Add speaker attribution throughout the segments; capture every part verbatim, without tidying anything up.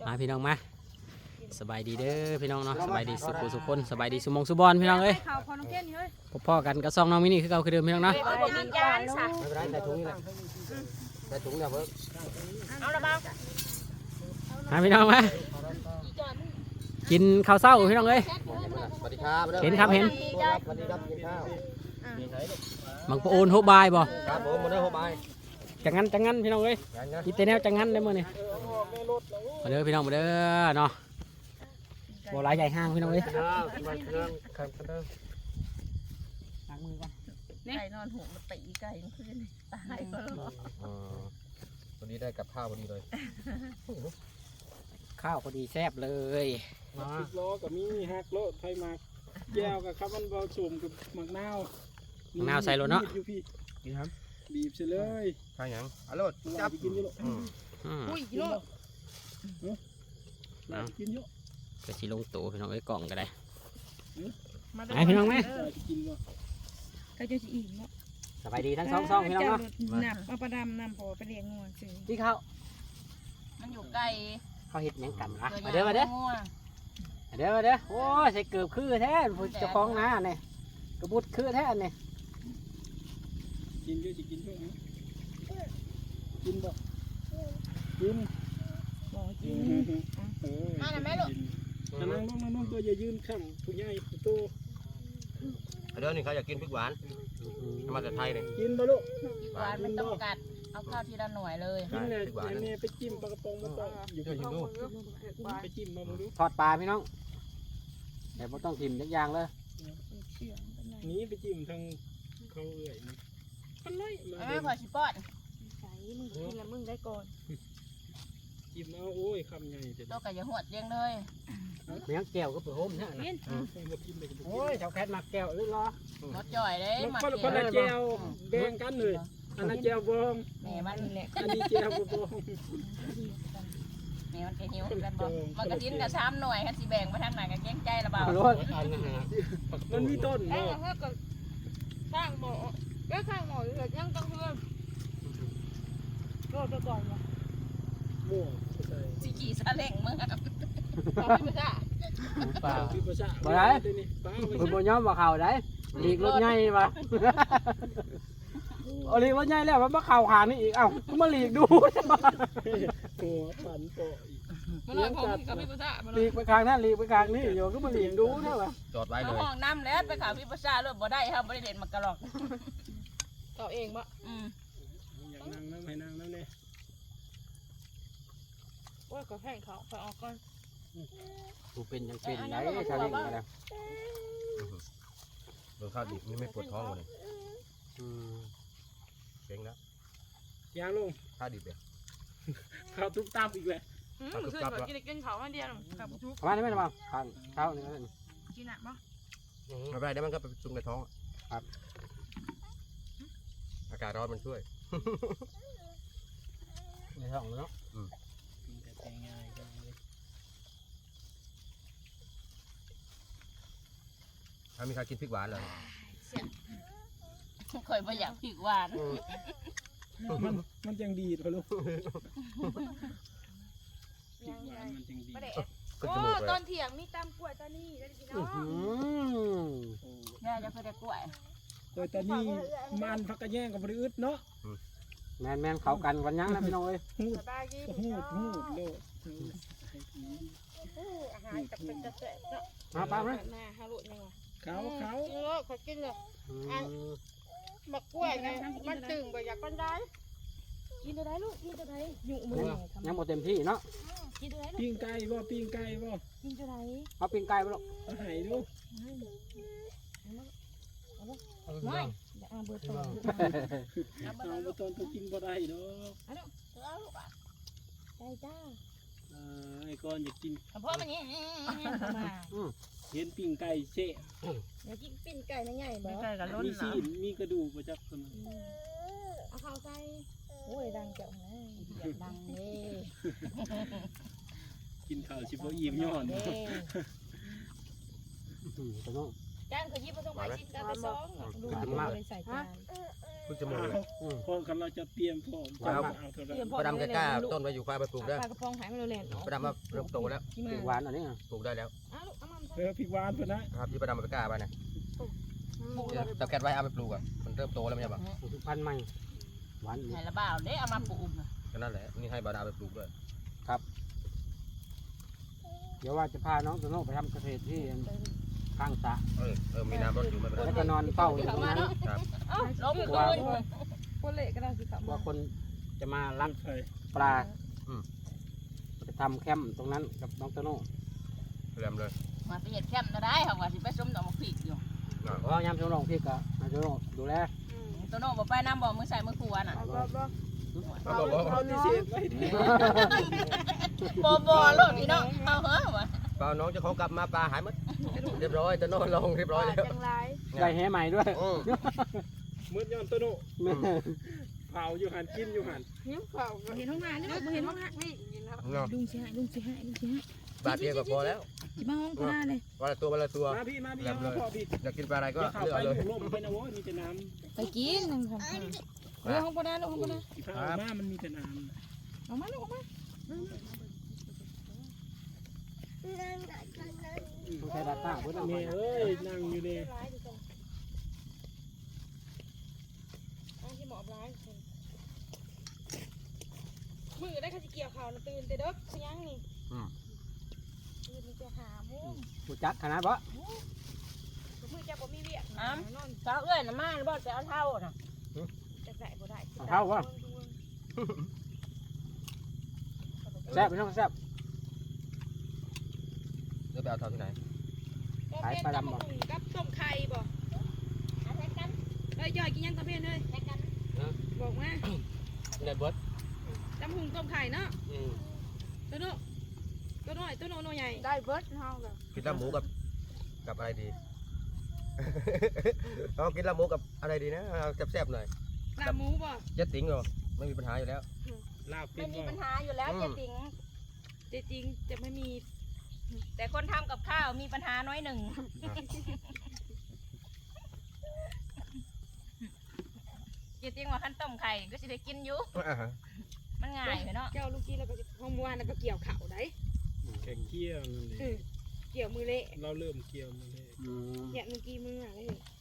Speaker 1: มาพี่น้องมาสบายดีเด้อพี่น้องเนาะสบายดีสุขุสุขคนสบายดีสุมงสุบอลพี่น้องเอ้ยพ่อกันก็ซองน้องมินี่คือเก่าคือเดิมพี่น้องเนาะ
Speaker 2: ไม่เป็นไรใส่ถุงนี่แหละใส่ถุงเดี๋ยวเพิ่ม
Speaker 3: เอาละบ้าง
Speaker 1: มาพี่น้องมากินข้าวเช้าพี่น้องเอ้ย
Speaker 2: สวัสดีครับ
Speaker 1: เห็นครับเห็น
Speaker 2: สวัสดีครับกินข้าว
Speaker 1: บังปะโอนโฮบายบ่
Speaker 2: ครับผมมาเด้อโฮบาย
Speaker 1: จังงั้นจังงั้นพี่น้องเอ้ยกินแต่แนวจังงั้นได้มื้อนี่มาเด้อพี่น้องมาเด้อเนาะบ่หลายใหญ่ห้างพี่น้องเอ้ย
Speaker 2: เครื่องเครื่องเครื่องเครื่อง
Speaker 1: ล้างมือก่อน
Speaker 3: ไก่นอนหัวมาตีไก่มันขึ้นตายก็หรอ
Speaker 2: อ๋อวันนี้ได้กับข้าวพอดีเลย
Speaker 1: ข้าวพอดีแซ่บเลย
Speaker 4: สิบล้อกับมีฮักโลไทยมากแก้วกับข้าวมันเบาสุ่มกับหมักนาว
Speaker 1: มะนาวใส่รถเนาะ
Speaker 4: อยู่พี่
Speaker 2: กินครับ
Speaker 4: บีบเสร็จเลย
Speaker 2: ข้าวหยังอร่อย
Speaker 4: จั
Speaker 2: จั
Speaker 4: บบ กินเยอะ
Speaker 2: อืม
Speaker 1: อืม
Speaker 3: อุ้ยโลด
Speaker 4: เรากินเยอะ
Speaker 1: ก็สิลงตู้พี่น้องเอ้ยกล่องก็ได้
Speaker 3: มา
Speaker 1: ไหนพี่น้องไหม
Speaker 4: เราจะกินวะ
Speaker 3: ก็จะอิ่มเนาะ
Speaker 1: สบายดีทั้งสองซองพี่น้องเนาะ
Speaker 3: นับมาประดำนำพอไปเลี้ยงงัวซื้อ
Speaker 1: ที่เขา
Speaker 3: มันอยู่ไกล
Speaker 1: เขาเห็ดหยังกันอ่ะมาเด้อมาเด้อมาเด้อมาเด้อโอ้ยใส่เกือบคือแท้ผู้เจ้าของนาเนี่ยกระบุดคือแท้เนี่ย
Speaker 4: กินเยอะจะกินเยอะนะกินบ่กิน
Speaker 3: บอกกิน
Speaker 4: เออ
Speaker 3: มาหน่อยไหมลูก
Speaker 4: นั่งลงนั่งลงตัวอย่ายืนข้างผู้ใหญ่ผู้โต
Speaker 2: เดี๋ยวนี่เขาอยากกินพริกหวานมาจากไทยเนี่ย
Speaker 4: กินบ่ลูก
Speaker 3: หวานไม่ต้องกัดเอาข้าวทีละหน่วยเลย
Speaker 4: กินเลยแม่ไปจิ้มปลากระป๋องมาต่ออยู่
Speaker 2: เดี๋ยวชิมดู
Speaker 4: ไปจิ้มมาดู
Speaker 1: ทอดปลาพี่น้องแต่ไม่ต้องทิมทุกอย่างเลย
Speaker 4: นี้ไปจิ้มทางเขาเอื่อยนี่มันเลยมา
Speaker 3: ไม่พอชิปอด
Speaker 5: ใส่มึงกินแล้วมึงได้ก่อน
Speaker 4: จิ้มเอาโอ้ยคำใหญ่เด็ด
Speaker 3: ตัวกับยาหวดเลี้ยงเลย
Speaker 1: เมียงแก้วก็เปิดโฮมเนี่ยนะ
Speaker 4: มากินเลย
Speaker 1: โอ้ยชาวแคทมาแก้วหรือรอ
Speaker 3: รถจ่อยเลย
Speaker 4: มัน
Speaker 3: มา
Speaker 4: คน
Speaker 3: เกี่
Speaker 4: คนละ
Speaker 3: ยว
Speaker 4: แจวแบ่งกันเลยอันนั้นแจวบอง
Speaker 3: แม่มันนี่แหละ
Speaker 4: อันนี้แจวบอง
Speaker 3: แม่มันแกหิวกันบ่มันกระดิ้นกับซ้ำหน่วยกันสิแบ่งมาทางไหนกันเก้งใจละเบา
Speaker 1: รถ
Speaker 4: มันมีต้น
Speaker 5: เอ้
Speaker 4: เนาะ
Speaker 5: ถ้าก็ข้างหมอก็ข้างหมอเหลือยังต้องเพิ่มก็จะก่อนวะ
Speaker 4: มั่วใช่
Speaker 3: สิขี่ซาเล้งมึง
Speaker 5: ขอพี่ภาษา
Speaker 1: เปล่า
Speaker 4: พี่ประชา
Speaker 1: บ่ได้
Speaker 4: นี่ป้า
Speaker 1: คุณบ่ยอมว่าเข่าได้หลีกรถใหญ่มาเอาหลีกรถใหญ่แล้วมันมาเข่าขางนี่อีกเอ้าก็มาหลีกดู
Speaker 4: หัวปั่นโปะอีก
Speaker 5: มันเลยของกับพี่ภาษามัน
Speaker 1: หลีกไปข้างนั้นหลีกไปข้างนี้อยู่ก็มาหลีกดูเท่าไหร่
Speaker 2: จอดไว้เล
Speaker 3: เอา
Speaker 2: ย
Speaker 3: ห้องน้ำแล้วไปข่าวพี่ประชาเลยบ่ได้ครับบ่ได้เด่นมากระหรอก
Speaker 5: ต่อเองปะ
Speaker 3: อืม
Speaker 4: อยากนั่งน้ำให้นั่งน้ำเนี่ย
Speaker 5: ว่าก็แข่งเขาไปออกก่อน
Speaker 1: กูเป็นยังเป็นไหนชาวลิงกันแล้ว
Speaker 2: โดนข้าวดิบนี่ไม่ปวดท้องเลย
Speaker 1: อืม
Speaker 2: เก่งแล้ว
Speaker 4: ยางลง
Speaker 2: ข้าวดิบเนี่ย
Speaker 4: ข้าวทุบตามอีกเลย
Speaker 5: อืมคือแบบกินกินเขามาเดียวกับทุก
Speaker 1: ประมาณนี้ไหมนะบ้างข้างเท้านี่ก็ได้
Speaker 5: กินอ่ะปะ
Speaker 2: ไม่เป็นไรเดี๋ยวมันก็ไปซุ่มในท้อง
Speaker 1: ครับ
Speaker 2: อากาศร้อนมันช่วย
Speaker 1: ในท้องเนาะ
Speaker 4: แต่ง่ายจังเลย
Speaker 2: ถ้ามีใครกินพริกหวานเลย
Speaker 3: เคยบ่อยากผิกหวาน
Speaker 4: มันมันยังดีพะลูก
Speaker 5: ยัง
Speaker 4: ห
Speaker 5: ไง
Speaker 4: วานมันยังดี
Speaker 5: ประเดี๋ยว
Speaker 2: ขึ้น
Speaker 5: โอ้
Speaker 2: จมูกเล
Speaker 5: ตอย นเถียงมีตามกล้วยตานี่ได้พี่น้อง
Speaker 1: อืม
Speaker 3: แม่จะเคยได้กล้วย
Speaker 4: โดยตอนนี้มันพักกระแย่งกับบริอึดเนาะ
Speaker 1: แมนแมนเขากันวันยังนะพี่น้องเอ้ย
Speaker 4: หูด
Speaker 5: สบายดี
Speaker 4: หูดหูดโลด
Speaker 5: อาหารกับเป็นกระเสะเนาะ
Speaker 1: มาป้าไหม
Speaker 5: หน้าฮารุยังวะ
Speaker 4: เขาเขา
Speaker 5: กินเลยขอกินเลย
Speaker 1: อืม
Speaker 5: มะกล้วยไงมันตึงไปอยากกันได้กินตัวไหนลูกกินตัวไหนยุ่งมือ
Speaker 1: ยังหมดเต็มที่เนาะ
Speaker 5: กินตัวไหนลูก
Speaker 4: ปิ้งไก่บ่ปิ้งไก่บ่
Speaker 5: กินตัวไหน
Speaker 1: เอาปิ้งไก่ไปลูก
Speaker 4: เอาไห้ดู
Speaker 5: ไม่เดี๋ยวอ่านเบอร์โทร
Speaker 4: เอาไปตอนตัวกินบ่ได้เนาะ
Speaker 5: ใจจ้า
Speaker 4: ไอ้ก้อนอยากกิน
Speaker 3: เพราะมันนี่
Speaker 5: มา
Speaker 4: เห็นปิ้งไก่เชะ
Speaker 5: เดี๋ยวกินปิ้งไก่ใหญ่ๆบ่
Speaker 3: ไม่ใช่กับล้น
Speaker 4: มี
Speaker 3: เนาะ
Speaker 4: ซีนมีกระดูกประจับคน
Speaker 5: เอาข้าวใส่โอ้ยดังเจ้านะดังเด้
Speaker 4: กินข้าวชิบะอิ่มย้อน
Speaker 5: เด้
Speaker 1: อืมพี่น้อง
Speaker 3: จ้างเคยยิบมาส่งไปชิ้นกันไปสอง
Speaker 5: ดูเลยใส่จาน
Speaker 2: เพิ่งจะหมดเลย
Speaker 4: พอกันเราจะเตรียมพร้อมจะมาเอาเท่าไหร่
Speaker 2: ประดำจะกล้าต้นไว้อยู่ควายไปปลูกได้
Speaker 5: ปลากระพงหายมาเร็วๆ
Speaker 2: ประดำมาเริ่มโตแล้ว
Speaker 5: กี่มา
Speaker 1: หวานอันนี้อ่ะ
Speaker 2: ปลูกได้แล้ว
Speaker 5: อ้าวลูกเอามา
Speaker 4: เออพี่วานเพิ่นนะครับ
Speaker 2: ที่ประดำไปกล้าไปนะจับแกะไว้เอาไปปลูกอ่ะมันเริ่มโตแล้วไม่ใช่ปะ
Speaker 1: พันธุ์ใหม่หวาน
Speaker 3: ไหนละบ่าวเด้เอามาปลูกน่ะ
Speaker 2: ก็นั่นแหละนี่ให้บาดาไปปลูกด้วย
Speaker 1: เดี๋ยวว่าจะพาน้องโตโน่ไปทำเกษตรที่ข้างสระ
Speaker 2: เออเออมีน้ำรดอยู่ไม่เป็นไร
Speaker 1: แล้วก็นอนเฝ้าอยู่ตรงนั้น
Speaker 2: ครับ
Speaker 3: ล้มคืน
Speaker 5: คนเละก็ได้สิครับ
Speaker 1: ว่าคนจะมาลัก
Speaker 4: ไฟ
Speaker 1: ปลาไปทำแคมป์ตรงนั้นกับน้องโตโน่
Speaker 2: เริ่มเลย
Speaker 3: มาไปเฮ็ดแคมป์ได้เขาว่าสิไปส้มดอกมะพริกอยู่
Speaker 1: เพราะยามโตโน่พี่ก็น้องโตโน่ดูแล
Speaker 3: ตัวโน้บ่ไปน้ำบ่มือใส่มือขวน่ะ
Speaker 5: บ่บ่
Speaker 2: เอาบอกบอก
Speaker 4: เขาที่เศษไว้ดี
Speaker 3: บ่บ่โลดพี่น้องเอาเหรอวะ
Speaker 2: เปล่าน้องจะเขากลับมาปลาหายหมดเรียบร้อยจะนอนลงเรียบร้อยแล้ว
Speaker 5: จังไร
Speaker 1: ได้แหใหม่ด้วย
Speaker 2: อืม
Speaker 4: มืดย้อนโตโน่เผาอยู่หันกินอยู่หัน
Speaker 5: ยิ้มเปล่าเห็นห้องน้ำนี่บ่เห็นห้องน้ำนี่ยินครับ
Speaker 2: เนาะ
Speaker 5: ลุงสิให้ลุงสิให้ลุงสิให้
Speaker 2: บาทเดียวก็พอแล้ว
Speaker 5: สิมาห้องพ่อเลย
Speaker 2: วันละตัววันละตัว
Speaker 4: มาพี่มาพี่เอาพอพี่
Speaker 2: อยากกินปลาอะไรก็
Speaker 4: ก็เข้า
Speaker 2: เลือก
Speaker 4: ไป
Speaker 2: เอาเลย
Speaker 4: ลมไปนะโว้ยมีแต่น้
Speaker 5: ไปกินนึงครับเออห้องพ่อได้ลูกห้องพ่อได้
Speaker 4: ำที่ข้าวมามันมีแต่น้
Speaker 5: เอามาลูกเอามา
Speaker 1: ต้องใช้ดาต้าเพื่อน
Speaker 4: ำ
Speaker 1: เอา
Speaker 4: เม
Speaker 1: ไป
Speaker 4: ย์เอ้ยนั่งอยู่เลย
Speaker 5: ที่หมอบร้ายมือได้ข้าสิเกี่ยวข่าวนะตื่นแต่เด็กสิยังนี่ตื่นมีแต่หามุ้ง
Speaker 1: กูจักขนาดบ่
Speaker 5: มือจะบ่มีเวียก
Speaker 3: อ้ำเช้าเอ้ยน่ะมาบ่จะเอาเท่าน่ะ
Speaker 5: จะใส่บ่ได้
Speaker 1: เอาเท่าวะแซ่บพี่น้องแซ่บ
Speaker 2: เลือกไปเอาเท่าที่ไหน
Speaker 5: กับต้มไข่บ่
Speaker 3: เอาใส่กัน
Speaker 5: เอ้ยย่อยกินยังตะเพียนเอ้ย
Speaker 3: ใส่กัน
Speaker 5: บอกมา
Speaker 1: ในเบิร์ด
Speaker 5: จำหุงต้มไข่เนาะตัวโน้ตัวน้อยตัวโน้ใหญ่ได้เบิร์ดเฮาเลย
Speaker 2: กินลาบหมูกับกับอะไรดี เอากินลาบหมูกับอะไรดีนะเอาแซ่บๆหน่อย
Speaker 5: ลาหมูบ่
Speaker 2: เจ็ดติ๋งเหรอไม่มีปัญหาอยู่แล้ว
Speaker 4: ลาบเป็
Speaker 3: ไม่
Speaker 4: น
Speaker 3: มี
Speaker 4: บ่
Speaker 3: ปัญหาอยู่แล้วเจ๊ติ๋ง
Speaker 5: จริงจะไม่มี
Speaker 3: แต่คนทำกับข้าวมีปัญหาน้อยหนึ่งเจ๊ติ๋งว่าขั้นต้มไข่ก็สิได้กินอยู่มันง่ายเนาะ
Speaker 5: เจ้าลูกกี้แล้วก็ห้องมวานแล้วก็เกี่ยวเข่าได้
Speaker 4: แข่งเกี่ยวนั่นเลย
Speaker 5: เกี่ยวมือเละ
Speaker 4: เราเริ่มเกี่ยวมาเลย
Speaker 5: เนี่ยเมื่อกี้มืออะไร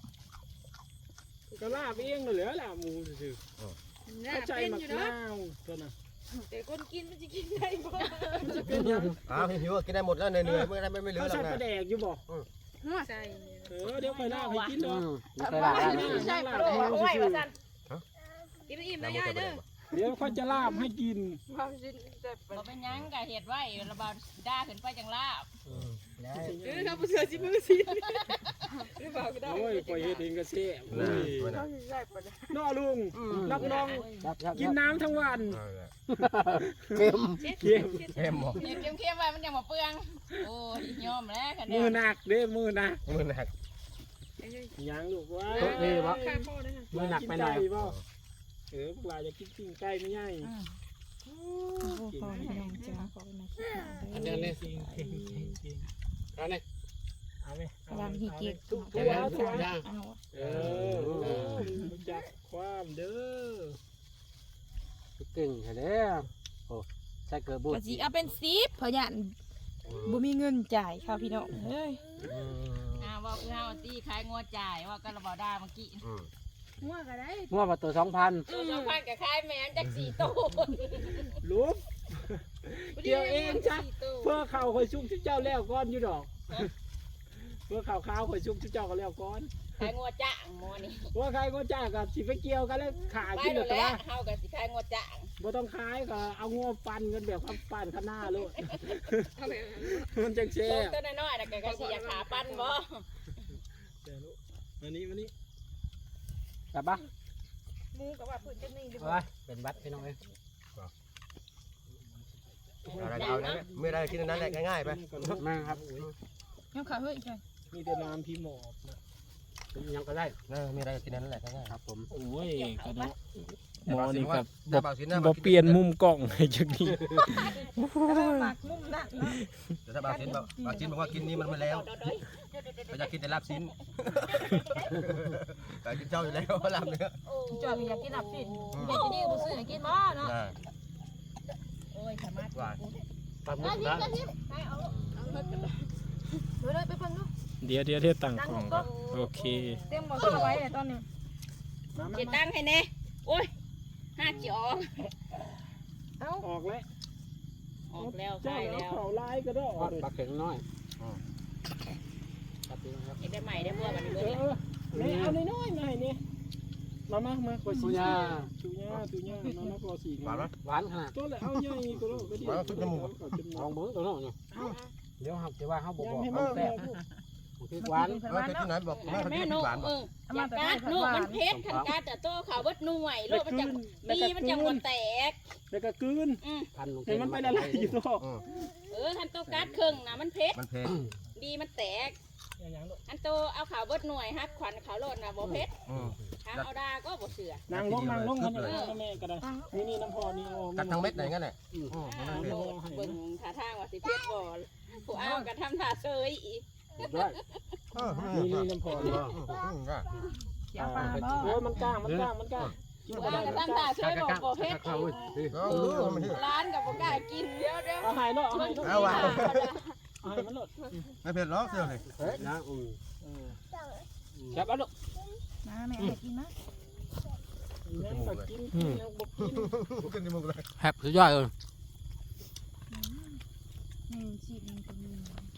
Speaker 4: ก็ลาบเองเลยเหลือลาบหมูซื่อ
Speaker 5: น่า
Speaker 4: เข้าใจ
Speaker 5: เป็น
Speaker 4: มัก
Speaker 5: อยู่เนาะ
Speaker 4: นาวตัวน่ะ
Speaker 5: แต่คนกินมันจะกินได้บ่
Speaker 2: อ้าวหิวๆกินได้หมดแล้วเหนื่อยๆไม่ได้ไม่เหลือ
Speaker 4: เขา
Speaker 2: หรอ
Speaker 4: ใส่
Speaker 2: ก
Speaker 4: ป
Speaker 2: นะ
Speaker 4: ลาแดกอยู่บ่
Speaker 5: หัวใส่
Speaker 4: เออเดี๋ยวไปลาบให้กิน
Speaker 1: อื
Speaker 4: เนาะ
Speaker 1: มไม่เคยลาได้เลย
Speaker 5: ใช่ปลาโดดเอาไว้ว่าซั่นกินอิ่มนะยายเด้อ
Speaker 4: เดี๋ยวเขาจะลาบให้กิน
Speaker 5: ความจริงแต่
Speaker 3: บ่เป็นหยังกะเห็ดไว้ระบาดด่าขึ้นไปจังลาบ
Speaker 5: เออครับเสือสิมือสิหรือเปล่าก็ได้
Speaker 4: โอ้ยปล่อยเฮ็ดเองก็เสีย
Speaker 2: นะ
Speaker 5: เขาสิใส่ปลา
Speaker 4: น้อลุงรับน้อง
Speaker 1: ครับครับ
Speaker 4: กินน้ำทั้งวัน
Speaker 1: เค็ม
Speaker 4: เค็ม
Speaker 2: เข้มหมด
Speaker 3: เดี๋ยวเค็มๆไว้มันยังบ่เปื้องโอ้ยยอมแล้วค่ะ
Speaker 4: มื
Speaker 3: เนี่
Speaker 4: อย หนักเด้มือหนัก
Speaker 2: มือหนัก
Speaker 4: ยังลูกว่า
Speaker 5: ข้าพ่อนะ
Speaker 1: มือหนักไปหน่อย
Speaker 4: บ่เออพวกเราจะกินปิ้งไก่ไม่ใหญ่
Speaker 5: พ่อไม่ยอมจ้าพ่อไม่คิด
Speaker 1: อันเดียวนี่
Speaker 4: จริงจริงจริงจริง
Speaker 1: เอาเนี่ย
Speaker 4: เอาไหม
Speaker 5: กำลังฮีเก็บ
Speaker 4: ทุก
Speaker 1: เดี๋
Speaker 4: ตั
Speaker 1: ยว ว
Speaker 4: ทุก
Speaker 1: ย่าง
Speaker 5: เอา
Speaker 4: เออรู้จักความเด้อ
Speaker 1: เก่งแค่เด้อโอ้ใส่เกลือบูด
Speaker 5: ก็สิเอาเป็นสิบเพราะยันบ่มีเงินจ่ายค่ะพี่น้องเฮ้ย
Speaker 3: อ่าว่าคือเฮาตีขายงัวจ่ายว่าก็ระบาดด่าเมื่อกี้
Speaker 5: หัวก็ได้
Speaker 1: งัวประตูสองพัน
Speaker 3: ตัวสองพันกับขายแม่นจักสี่โต
Speaker 4: ลุกเกี่ยวเองจ้ะเพื่อเข่าคอยชุกที่เจ้าแล้วก้อนอยู่ดอกเพื่อเข่าขาวคอยชุกที่เจ้าก็แล้วก้อน
Speaker 3: ขายงัวจ่างงัวนี่
Speaker 4: ว่าใครก็จ้ากับสิไปเกี่ยวกันแล้วขาย
Speaker 3: ไป
Speaker 4: กิน
Speaker 3: แล้
Speaker 4: แต่
Speaker 3: ว
Speaker 4: ว่า
Speaker 3: เฮาก็สิขายงัวจ่าง
Speaker 4: บ่ต้องขายก็เอางัวฟันกันแบบความฟันข้างหน้าเลยมันจังเช่
Speaker 3: ตัวน้อยๆน่ะก็สิอยากขาปั้นบ่
Speaker 4: เดี๋ยวลูกมานี่มานี่
Speaker 1: กลับปะ
Speaker 5: หมูกับว่าพื้นจะนี่ดิ
Speaker 1: เอาไว้เป็นบัตรพี่น้องเอ้ย
Speaker 2: อะไรเอานะไม่ได้กินนั้นแหละง่ายๆไป
Speaker 1: มาครับ
Speaker 5: ยังขาเฮ้ยใช่
Speaker 4: มีแต่น้ำพี่หมอบนะ
Speaker 1: ยังก็ได้
Speaker 2: เออมีอะไรกินนั้นแหละง่าย
Speaker 1: ครับผม
Speaker 4: โอ้ยกระโดดหมอนี่ครับ
Speaker 2: ถ้าบางสินนะ
Speaker 4: บ่เปลี่ยนมุมกล้องให้จักนี้
Speaker 5: หมักมุมนั่นเนาะ
Speaker 2: แต่ถ้าบางสินบอกบางสินบอกว่ากินนี้มันไม่แล้วก็อยากกินแต่ลาบสินแต่กินเจ้าอยู่แล้วลาบเนื้อ
Speaker 5: จอยอยากกินหลับสิอยากกินนี่กูซื้อให้กินบ่เนาะ
Speaker 2: อ่า
Speaker 3: โอ้ยสามารถ
Speaker 2: หวาน
Speaker 4: ปลาหมึกนะ
Speaker 5: ให้เอาเอาเฮ็ดกันเลยเดี๋ยวเลยไปเพิ่นเนาะ
Speaker 4: เดี๋ยวเดี๋ยวเดี๋ยวตั้งกล้องก่อนโอเค
Speaker 5: เต็มบ่ซื้อไว้เลยตอนนี้
Speaker 3: เจ็ดตั้งให้แน่โอ้ยห้าจีออก
Speaker 5: เอ้า
Speaker 4: ออกแล้ว
Speaker 3: ออกแล้ว
Speaker 4: เจ้า
Speaker 3: ใช่
Speaker 4: แล้
Speaker 3: แล้ว ว
Speaker 4: เขาลายก็ได้ออกเลย
Speaker 1: ปลาเข็งน้อย
Speaker 3: เอ็ได้ใหม่ได้บัววันนี้
Speaker 4: เอ
Speaker 3: เลย
Speaker 4: อแม่เอาน้อยๆมาให้นี่มามามาขอ
Speaker 1: ตุ
Speaker 4: สิ
Speaker 1: ยา
Speaker 4: ตุยาตุยามามาขอสิ
Speaker 2: หวานไหม
Speaker 1: หวานขนาด
Speaker 4: ตัวเลยเอาใหญ่ก็ได้ก็ดี
Speaker 2: หวานขึ้นจมูก
Speaker 4: เอาจมูก
Speaker 1: ลองเบิ้งตัวน้องเนี่ยเดี๋ยวครับจะว่าเขาบอก
Speaker 4: ยัง
Speaker 1: บอก
Speaker 4: ให้
Speaker 1: เขา
Speaker 4: มัน
Speaker 1: แซ่
Speaker 4: แซ่
Speaker 1: บบ คือหวาน
Speaker 2: ไม่เคยกินไหนบอกไม่เคย
Speaker 3: แม่
Speaker 2: กิน
Speaker 3: หนู
Speaker 2: หวานบ
Speaker 3: เอ
Speaker 2: อก
Speaker 3: ออยากการหนูมันเพชรขันการแต่โตเขาเบิดหน่วยโลกมันจังดีมันจังมันแตก
Speaker 4: แล้วก็กลืน
Speaker 3: อืม
Speaker 1: พันลง
Speaker 4: ให้มันไปละลายอยู่ตัว
Speaker 3: เออทันโตการครึ่งนะมันเพชร
Speaker 2: มันเพล
Speaker 3: ดีมันแตกอันโตเอาขาวเบิดหน่วยฮักขวัญขาวโลดนะบ่เพชรทางเอาดาก็บ่เสือน
Speaker 4: างลงนางลงมันเลยแม่ก็ได้นี่นี่น้ำพอนี่โอ้
Speaker 2: กัดทั้งเม็ดไหนงั้นแหละ
Speaker 3: โลดเบิ่งท่าทางว่าสิเพชรบ่ผู้เอาก็ทำท่าเซยอีก
Speaker 1: ด้วย
Speaker 4: นี่นี่น้ำพอนี่
Speaker 5: เสียปลาบ่
Speaker 4: โอ้ยมันกล้างมันกล้างมันกล้าง
Speaker 3: ผู้เอาก็ทำท่าเซยบ่บ่เพชร
Speaker 1: เข้าเว้ย
Speaker 3: ร้านกับบ่กล้ากินเดี๋ยวเดี๋ยว
Speaker 4: เอาหายแล้วเอาหาย
Speaker 2: เอาวะ
Speaker 4: เอาหายมันหลด
Speaker 2: ไม่เผ็ดหรอกเสียวเลย
Speaker 1: เฮ้ยนะอืม
Speaker 4: จับเอาลูก
Speaker 5: มาแม่ให้กินนะ
Speaker 4: ยังก็กินยังบ่กิน
Speaker 2: ขึ้นจมูกเลย
Speaker 1: แฮบสุดยอดเลย
Speaker 5: นี่ชีสนี่ก็มี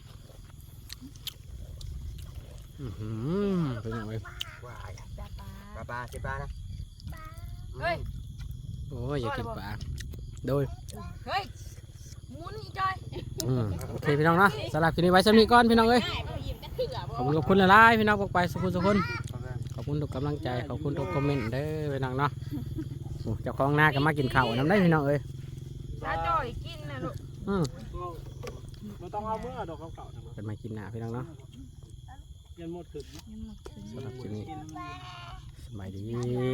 Speaker 1: อื้อหือเป็นยังไง
Speaker 2: ว้าย
Speaker 5: ปลาปลา
Speaker 2: ปลาปลาเจ็บปลานะ
Speaker 5: เฮ้ย
Speaker 1: โอ้ยอย่ากินปลาโดย
Speaker 5: เฮ้ยหมุนอีจอย
Speaker 1: อืมโอเคพี่น้องเนาะสำหรับคลิปนี้ไว้สำนีก่อนพี่น้องเอ้ย
Speaker 3: ง่ายบ่ยิ้มกันเถื่อบ่
Speaker 1: ขอบคุณขอบคุณหลายๆพี่น้องพวกไปสุขุมสุขคนขอบคุณทุกกำลังใจขอบคุณทุกคอมเมนต์เด้อพี่น้องเนาะโอ้เจ้าของหน้าก็มากินข้าวน้ำได้พี่น้องเอ้ย
Speaker 5: ถ้าจอยกินนะลูก
Speaker 1: อืม
Speaker 4: บ่ต้องเอาเมื่อดอกเก่าๆ
Speaker 1: เป็นมากินหน้าพี่น้องเนาะ
Speaker 4: ยันหมดขึ้น
Speaker 1: สำหรับคลิปนี้สบายดี